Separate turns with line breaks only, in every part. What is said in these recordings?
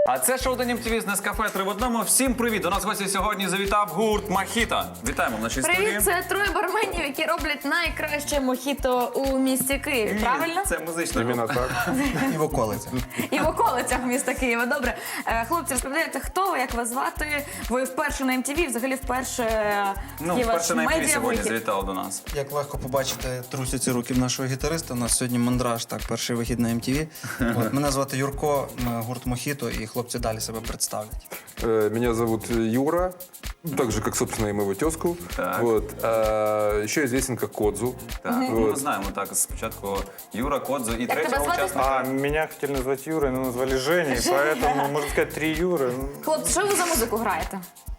А це шоу Денім ТВ з Нескафе 3 в одному. Всім привіт! До нас в гості сьогодні завітав гурт Мохіто. Вітаємо в нашій студії.
Привіт, це троє барменів, які роблять найкраще мохіто у місті Києві, правильно?
Це музична
Іменно
група.
так.
І в околицях.
І в околицях міста Києва. Добре. Хлопці, розповідаєте, хто ви, як вас звати? Ви вперше на МТВ, взагалі вперше є ваш
вперше на МТВ сьогодні
медіавихід.
завітали до нас.
Як легко побачити, трусяться руки в нашого гітариста. У нас сьогодні мандраж, так, перший вихід на МТВ. От, мене звати Юрко, ми гурт Мохіто, і хлопці далі себе представлять.
Меня зовут Юра, так же, как, собственно, и моего тезку.
Так.
Вот. Еще известен как Кодзу.
Так, ми знаємо так, спочатку Юра, Кодзо і
тебе
третього
звати?
учасника.
Меня хотели назвать Юрой, но назвали Женей, поэтому, можно сказать, 3 Юры.
Хлопці, що ви за музику граєте?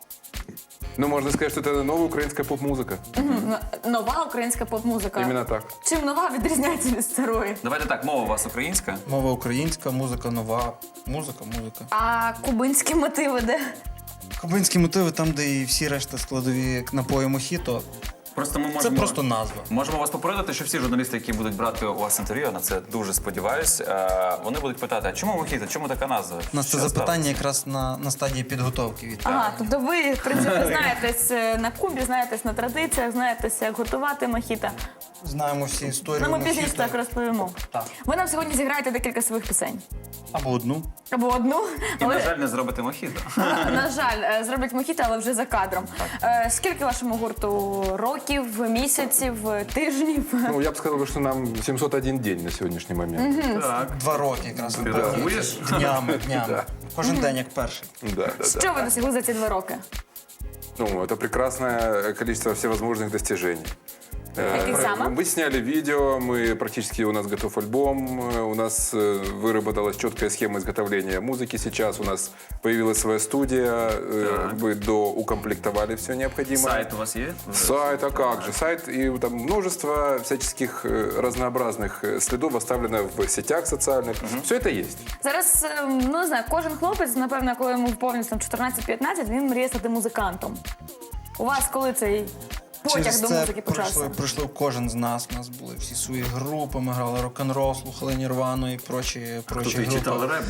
Ну, можно сказать, что это новая украинская поп-музыка.
Нова українська поп-музика.
Именно так.
Чим нова відрізняється від старої?
Давайте так, мова у вас українська.
Мова українська, музика нова. Музика.
А кубинські мотиви де?
Кубинські мотиви, там, де і всі решта складові напої Мохіто.
Просто ми
Це
можемо...
просто назва.
Можемо вас попередити, що всі журналісти, які будуть брати у вас інтерв'ю, на це дуже сподіваюсь, вони будуть питати, а чому Мохіто, чому така назва?
У нас це
Що
запитання якраз на стадії підготовки від
Ага, тобто ви, в принципі, знаєтесь на Кубі, знаєтесь на традиціях, знаєтесь, як готувати мохіто.
знаємо всі історії
Ну, ми пізніше
Мохіто.
так розповімо.
Так.
Ви нам сьогодні зіграєте декілька своїх пісень.
Або одну.
Або одну.
І, на
Але,
жаль, не зробити Мохіто.
на жаль, зроблять мохіто, але вже за кадром. Скільки вашому гурту років, місяців, тижнів?
Ну, я бы сказал, что нам 701 день на сегодняшний момент.
Так.
2 роки якраз.
Ти рахуєш?
Днями.
Да.
Кожен день як перший.
Да.
Що ви досягли за ці 2 роки?
Ну, это прекрасное количество всевозможных достижений.
Каких саме?
Мы сняли видео, мы практически, у нас готов альбом, у нас выработалась четкая схема изготовления музыки сейчас, у нас появилась своя студия, мы доукомплектовали все необходимое.
Сайт у вас є?
Сайт, а как же? Сайт и там множество всяческих разнообразных следов оставлено в сетях социальных. Все это есть.
Зараз, ну не знаю, кожен хлопець, напевно, коли йому вповнюється 14-15, він мріє стати музикантом. У вас коли цей потяг
Через
до
це
музики почався?
пройшов кожен з нас. У нас були всі свої групи, ми грали рок-н-рол, слухали Нірвану і прочі
Тут і
групи.
читали реп.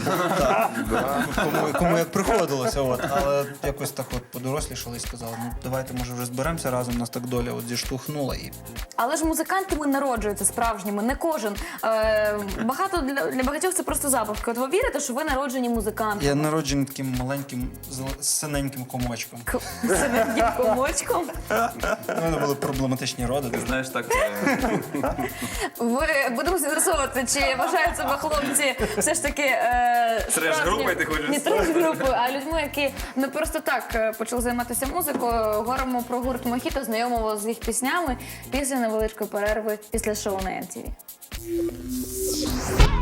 Кому як приходилося. От. Але якось так от подорослішали і сказали, ну давайте, може, вже зберемося разом, нас так доля от зіштовхнула. І
Але ж музикантами народжуються справжніми, не кожен. Багато для багатьох це просто забавки. От ви вірите, що ви народжені музикантами?
я народжений таким маленьким, синеньким комочком.
Синеньким комочком.
У мене були проблематичні роди.
Знаєш, так,
Ви будемо з'ясовувати, чи вважають себе хлопці все ж таки
Треш-групою, ти хочеш
не
сказати?
треш-групою, а людьми, які не просто так почали займатися музикою. Говоримо про гурт Мохіто, знайомимо з їх піснями після невеличкої перерви після шоу на MTV.